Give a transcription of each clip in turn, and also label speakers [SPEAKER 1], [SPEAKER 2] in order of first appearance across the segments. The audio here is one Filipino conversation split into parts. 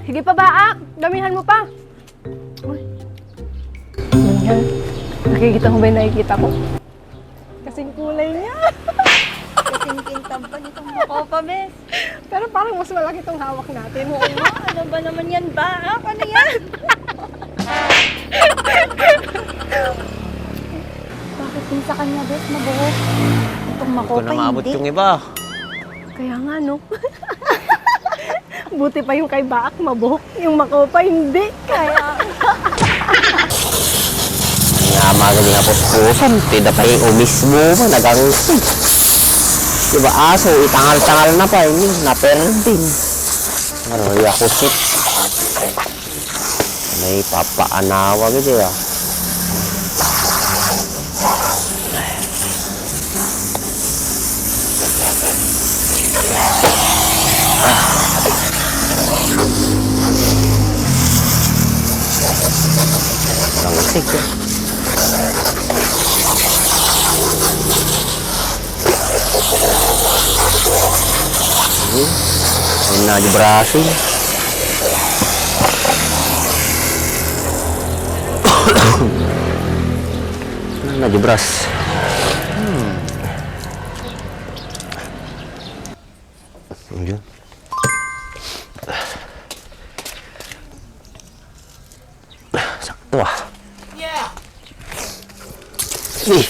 [SPEAKER 1] Hige pa baak! Damihan mo pa! Uy. Yan. Nakikita mo ba yung nakikita ko? Kasing kulay niya.
[SPEAKER 2] Kasing kintab pa nitong makopa, bes.
[SPEAKER 1] Pero parang mas malaki itong hawak natin.
[SPEAKER 2] Oo nga, ano ba naman yan, baak? Ano yan? Bakit din sa kanya, bes, mabuhok? Itong
[SPEAKER 3] Hindi ko
[SPEAKER 2] makopa,
[SPEAKER 3] na maabot
[SPEAKER 2] hindi.
[SPEAKER 3] yung iba.
[SPEAKER 1] Kaya nga, no? Buti pa yung kay Baak mabuhok. Yung makopa, hindi. Kaya...
[SPEAKER 3] Nga magaling nga po pusan. Tida pa yung mismo mo. Nagangsi. Diba aso, itangal-tangal na pa. Yun, naperdin. Maroy ako sit. May papaanawa gitu ya. Langsig ya. Ayun na di Brasil. Na di Bras. Yun. Sakto ah. Eh,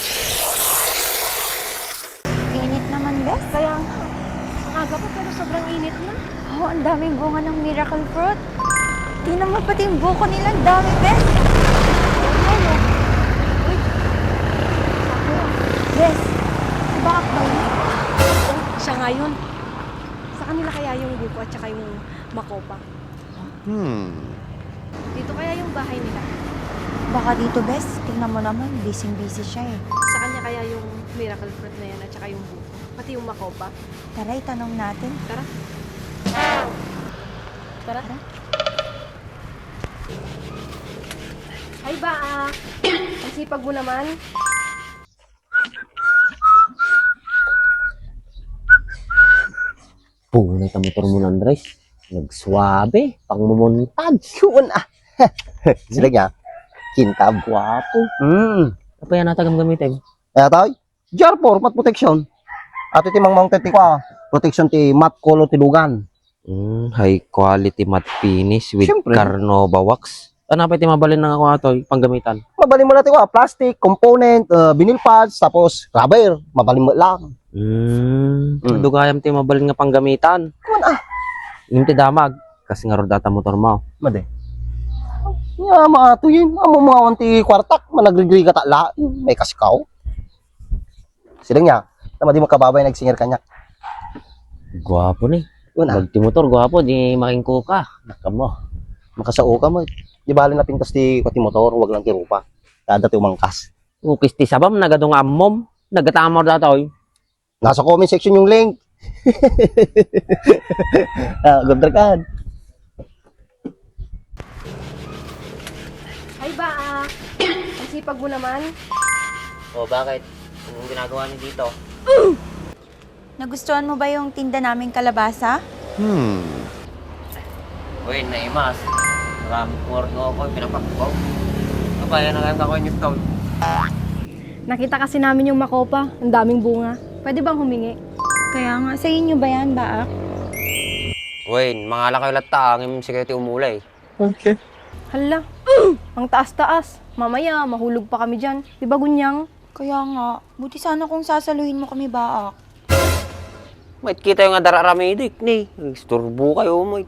[SPEAKER 2] Init naman, bes.
[SPEAKER 1] Kaya ang aga pa pero sobrang init na.
[SPEAKER 2] Oo, ang daming bunga ng miracle fruit. Tingnan mo pati yung buko nila, ang dami, bes. Ano? Uy. Ako. Bes, si Baak ba yun?
[SPEAKER 1] Siya nga yun. Sa kanila kaya yung buko at saka yung makopa. Dito kaya yung bahay nila.
[SPEAKER 2] Baka dito, bes. Tingnan mo naman, busy-busy siya eh.
[SPEAKER 1] Sa kanya kaya yung miracle fruit na yan at saka yung buko. Pati yung makopa.
[SPEAKER 2] Tara, itanong natin.
[SPEAKER 1] Tara. Tara. Ay ba, ang sipag mo naman.
[SPEAKER 3] punay ka motor mo ng Andres. Nagsuabe, pang mumuntag.
[SPEAKER 4] Yun ah. Sila niya. Kintab.
[SPEAKER 3] Guwapo. Apa yan natagam gamitin?
[SPEAKER 4] Kaya tayo. GR4, mat protection. At iti mang mounted ti kwa. Protection ti mat color ti lugan.
[SPEAKER 3] High quality matte finish with
[SPEAKER 4] Siyempre.
[SPEAKER 3] Carnova wax. Ano pa iti mabalin ng ako ito, panggamitan?
[SPEAKER 4] Mabalin mo natin kwa. Plastic, component, vinyl pads, tapos rubber. Mabalin mo lang.
[SPEAKER 3] Dugayam ti mabalin nga panggamitan.
[SPEAKER 4] Kuman ah.
[SPEAKER 3] Yung ti damag. Kasi nga rodata motor mo.
[SPEAKER 4] Made. Ya, maato yun. Amo mga wanti kwartak. Managrigri ka la. May kasikaw. Sila niya. Tama di makababay nagsinger kanya.
[SPEAKER 3] Guwapo ni.
[SPEAKER 4] Yun ah.
[SPEAKER 3] Pag ti motor, guwapo, di makingko ka.
[SPEAKER 4] Nakamo. Makasao ka mo. Di bali na pintas ti kwati motor. Huwag lang ti rupa. Kada ti umangkas.
[SPEAKER 3] Ukis ti sabam, nagadong ammom. Nagatamor datoy.
[SPEAKER 4] Nasa comment section yung link. Gabdrakan.
[SPEAKER 1] Ay ba, ang sipag mo naman.
[SPEAKER 3] O bakit? Anong ginagawa niyo dito?
[SPEAKER 2] Nagustuhan mo ba yung tinda naming kalabasa?
[SPEAKER 3] Uy, naimas. Maraming porno ako, pinapakbaw. Apa, yan ang ganda ko yung tawag.
[SPEAKER 1] Nakita kasi namin yung makopa. Ang daming bunga. Pwede bang humingi?
[SPEAKER 2] Kaya nga, sa inyo ba yan, Baak?
[SPEAKER 3] Uy, mga lang kayo lata, ang imsi kayo ti umulay.
[SPEAKER 4] Okay.
[SPEAKER 1] Hala, ang taas-taas. Mamaya, mahulog pa kami dyan. Di ba, Gunyang?
[SPEAKER 2] Kaya nga, buti sana kung sasaluhin mo kami, Baak.
[SPEAKER 3] May kita yung adararamidik ni. Isturbo kayo mo.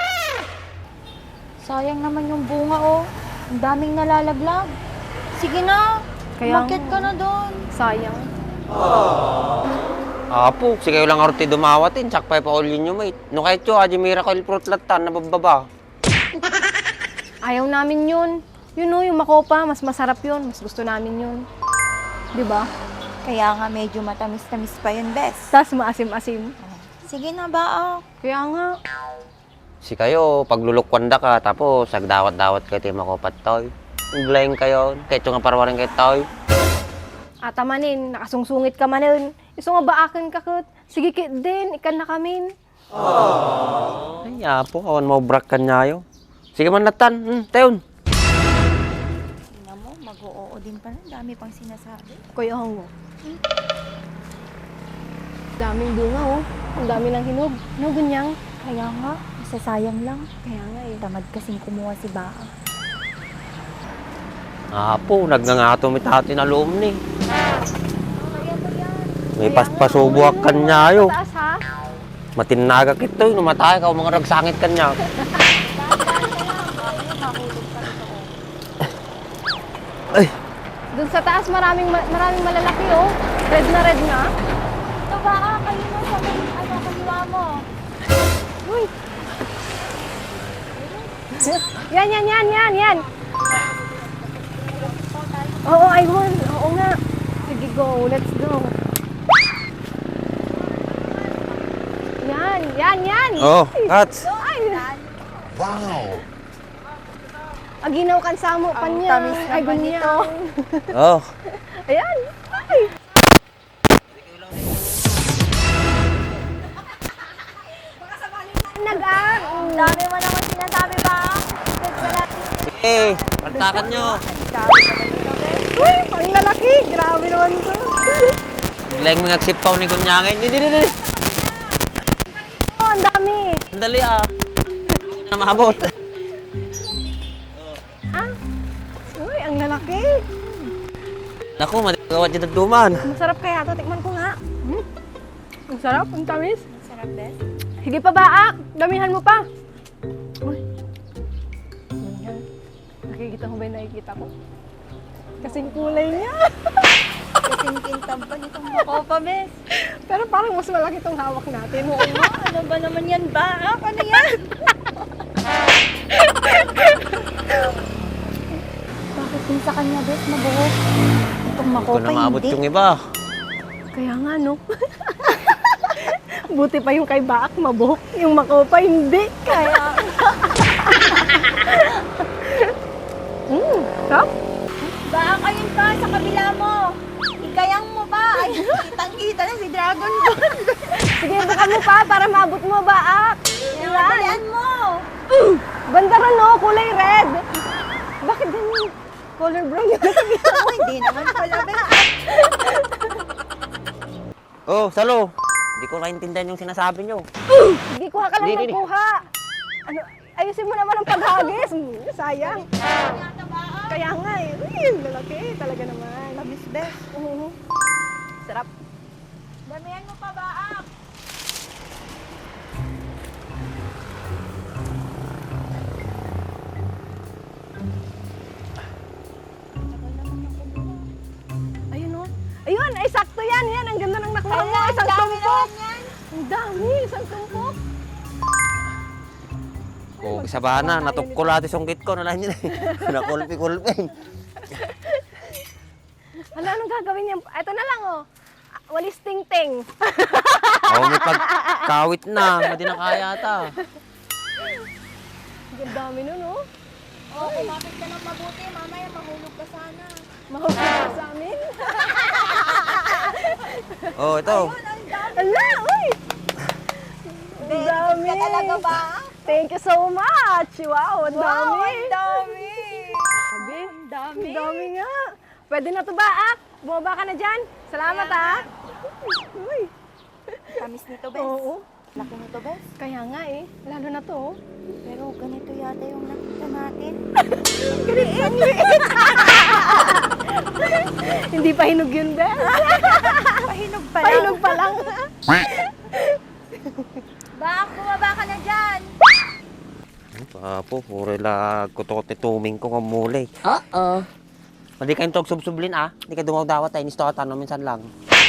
[SPEAKER 2] Sayang naman yung bunga, oh. Ang daming nalalaglag. Sige na,
[SPEAKER 1] Kaya
[SPEAKER 2] umakyat
[SPEAKER 1] nga.
[SPEAKER 2] ka na doon.
[SPEAKER 1] Sayang.
[SPEAKER 3] Apo, si kayo lang arti dumawatin, tsak pa ipaulin nyo, mate. No kahit yun, aji miracle fruit latan, nabababa.
[SPEAKER 1] Ayaw namin yun. Yun o, yung makopa, mas masarap yun. Mas gusto namin yun. Di ba?
[SPEAKER 2] Kaya nga, medyo matamis-tamis pa yun, Bes.
[SPEAKER 1] Tas maasim-asim.
[SPEAKER 2] Sige na, Baak.
[SPEAKER 1] Kaya nga.
[SPEAKER 3] Si kayo, paglulukwanda ka, tapos agdawat-dawat kayo tayo makopat toy. Uglayin kayo, kahit yung parawarin kayo toy.
[SPEAKER 1] Atamanin, nakasungsungit ka manin. Iso nga baakin ka kut. Sige kit din, ikan na kamin.
[SPEAKER 3] Ay, apo, awan mo brak kanyayo. Sige man natan, tayon.
[SPEAKER 2] Tingnan mo, mag-oo din pala. Dami pang sinasabi.
[SPEAKER 1] Kuya Hongo. Daming bunga oh. Ang dami ng hinog. Ano ganyang?
[SPEAKER 2] Kaya nga, masasayang lang.
[SPEAKER 1] Kaya nga eh.
[SPEAKER 2] Tamad kasing kumuha si Baa.
[SPEAKER 3] Apo, nagngangato mi tati na loom ni.
[SPEAKER 2] Kaya ba yan?
[SPEAKER 3] May paspasubuak kanyayo.
[SPEAKER 1] Taas ha?
[SPEAKER 3] Matinaga kito, numatay ka, mga ragsangit kanya. Ay,
[SPEAKER 1] Doon sa taas maraming malalaki oh. Red na.
[SPEAKER 2] Ito Baa, kayo na sa may kaliwa mo.
[SPEAKER 1] Uy. Yan. Oo, I won. Oo nga. Sige, go. Let's go. Yan.
[SPEAKER 3] oh, Kats.
[SPEAKER 1] Ay. Wow. Aginaw kan samo pa
[SPEAKER 2] Ang
[SPEAKER 1] niya.
[SPEAKER 2] tamis
[SPEAKER 1] Ay,
[SPEAKER 2] naman
[SPEAKER 1] ganyan.
[SPEAKER 2] nito.
[SPEAKER 3] Oh,
[SPEAKER 1] Ayan. Ay. Nag-ang.
[SPEAKER 2] Ang dami mo naman sinasabi Baa. Nagkalat.
[SPEAKER 3] sige, paltakan nyo.
[SPEAKER 2] Dami naman ito, Bes.
[SPEAKER 1] Uy, ang lalaki. Grabe naman to.
[SPEAKER 3] Biglang mga sipaw ni Kunyangin. Hindi.
[SPEAKER 1] Oh, ang dami.
[SPEAKER 3] Sandali na maabot.
[SPEAKER 1] Ah. Uy, ang lalaki.
[SPEAKER 3] Naku, matagawad dyan duman.
[SPEAKER 1] Masarap kaya to. Tikman ko nga. Ang sarap. Ang tamis.
[SPEAKER 2] Sarap, Bes.
[SPEAKER 1] Sige pa, Baak. Damihan mo pa. Uy. Yan. Nakikita mo ba yung nakikita ko? Kasing kulay niya.
[SPEAKER 2] Kasing kintam pa nitong makopa, Bes.
[SPEAKER 1] Pero parang mas malaki itong hawak natin.
[SPEAKER 2] Oo nga, ano ba naman yan Baa? Ano yan? Bakit din sa kanya, Bes, mabuhok? Itong
[SPEAKER 3] Hindi ko
[SPEAKER 2] makopa,
[SPEAKER 3] na maabot
[SPEAKER 2] hindi.
[SPEAKER 3] yung iba.
[SPEAKER 1] Kaya nga, no? Buti pa yung kay Baak mabuhok. Yung makopa, hindi.
[SPEAKER 2] Kaya,
[SPEAKER 1] Sarap.
[SPEAKER 2] Baa ayun pa, sa kabila mo. Igayang mo pa. Ay, kitang-kita na si Dragon Ball.
[SPEAKER 1] Sige, bukan mo pa para maabot mo, Baak.
[SPEAKER 2] Yan, dalian mo.
[SPEAKER 1] Bandaran, no? Kulay red. Bakit ganyan? Color brown yung
[SPEAKER 2] Oh, hindi naman pala, Bes.
[SPEAKER 3] Oh, Salo. Hindi ko naintindihan yung sinasabi nyo.
[SPEAKER 1] Hindi, kuha ka lang
[SPEAKER 3] Hindi.
[SPEAKER 1] ng kuha. Ano, ayusin mo naman ang paghagis. Sayang. Kaya nga eh. Uy, ang lalaki. Talaga naman.
[SPEAKER 2] Tamis, Bes.
[SPEAKER 1] Sarap.
[SPEAKER 2] Damihan mo pa, Baa.
[SPEAKER 1] Ayun o. Ayun, ay sakto yan. Yan, ang ganda ng nakuha mo.
[SPEAKER 2] Ang
[SPEAKER 1] Isang
[SPEAKER 2] dami
[SPEAKER 1] tumpok.
[SPEAKER 2] naman yan.
[SPEAKER 1] Ang dami, isang tumpok.
[SPEAKER 3] Oh, isa ba na? Natukkulati sungkit ko. Nalahin nyo na eh. Nakulpi-kulpi.
[SPEAKER 1] Hala, anong gagawin niya? Ito na lang oh. Walis ting-ting.
[SPEAKER 3] Oh, may pagkawit na. Hindi na kaya ata.
[SPEAKER 1] Ang dami nun oh.
[SPEAKER 2] Oh, kumapit ka ng mabuti. Mamaya mahulog ka sana.
[SPEAKER 1] Mahulog ka sa amin.
[SPEAKER 3] Oh, ito.
[SPEAKER 1] Hala, uy. Ang
[SPEAKER 2] Very
[SPEAKER 1] dami.
[SPEAKER 2] good ka talaga, Baa.
[SPEAKER 1] Thank you so much. Wow, ang dami.
[SPEAKER 2] Wow, ang dami.
[SPEAKER 1] Sabi, ang dami nga. Pwede na to ba, Ak? Bumaba ka na dyan. Salamat, ah. Uy.
[SPEAKER 2] Tamis nito, Bes.
[SPEAKER 1] Oo.
[SPEAKER 2] Laki nito, Bes.
[SPEAKER 1] Kaya nga eh. Lalo na to. oh.
[SPEAKER 2] Pero ganito yata yung nakita natin.
[SPEAKER 1] Hindi pa hinog yun, Bes.
[SPEAKER 2] Pahinog pa lang.
[SPEAKER 1] Pahinog pa lang.
[SPEAKER 2] Baa, bumaba ka na dyan.
[SPEAKER 3] Apo, puro lag kutot ni tuming ko kamulay. Hindi kayong tog subsublin Hindi ka dumawdawat tayo. Nisto ka tanong minsan lang.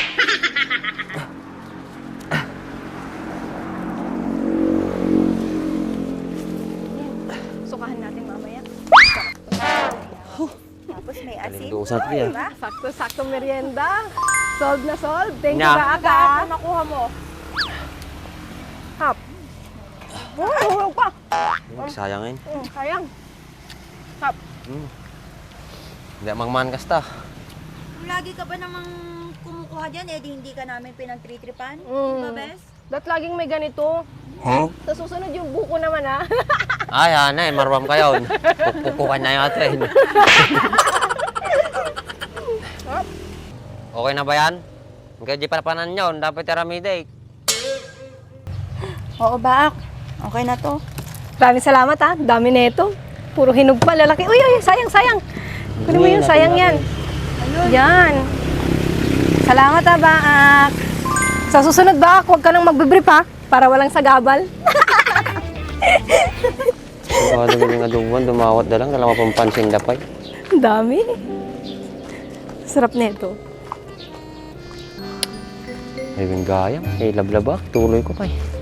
[SPEAKER 1] Sukahan natin mamaya.
[SPEAKER 2] Tapos may asin.
[SPEAKER 3] Kalindusan ko yan.
[SPEAKER 1] Sakto merienda. Solved na solved. Thank you,
[SPEAKER 3] Nya.
[SPEAKER 1] Baak,
[SPEAKER 2] Baa,
[SPEAKER 1] ah.
[SPEAKER 2] ano nakuha mo?
[SPEAKER 1] Hap. Uy, hulog pa.
[SPEAKER 3] Sayangin.
[SPEAKER 1] Sayang. Hap.
[SPEAKER 3] Hindi mangman kasta.
[SPEAKER 2] Kung lagi ka ba namang kumukuha dyan, di hindi ka namin pinagtritripan?
[SPEAKER 1] Mm.
[SPEAKER 2] Diba, Bes?
[SPEAKER 1] That laging may ganito. Sa susunod yung buko naman ha.
[SPEAKER 3] Ay, anay, marwam kayo. Pupukukan na yung atin. Okay na ba yan? Hanggang di palapanan nyo, dapat tiramide.
[SPEAKER 2] Oo, Baak. Okay na to.
[SPEAKER 1] Maraming salamat ha. Dami na ito. Puro hinog pa, lalaki. Uy, sayang. Kunin mo yun, sayang yan. Yan. Salamat ha, Baak. Sa susunod, Baak, huwag ka nang magbibrip ha. Para walang sagabal.
[SPEAKER 3] Ano ganyan nga duwan, dumawat na lang, dalawa pang pansing dapay.
[SPEAKER 1] Ang dami. Sarap na ito.
[SPEAKER 3] Ay, gayam, lablabak, tuloy ko pa eh.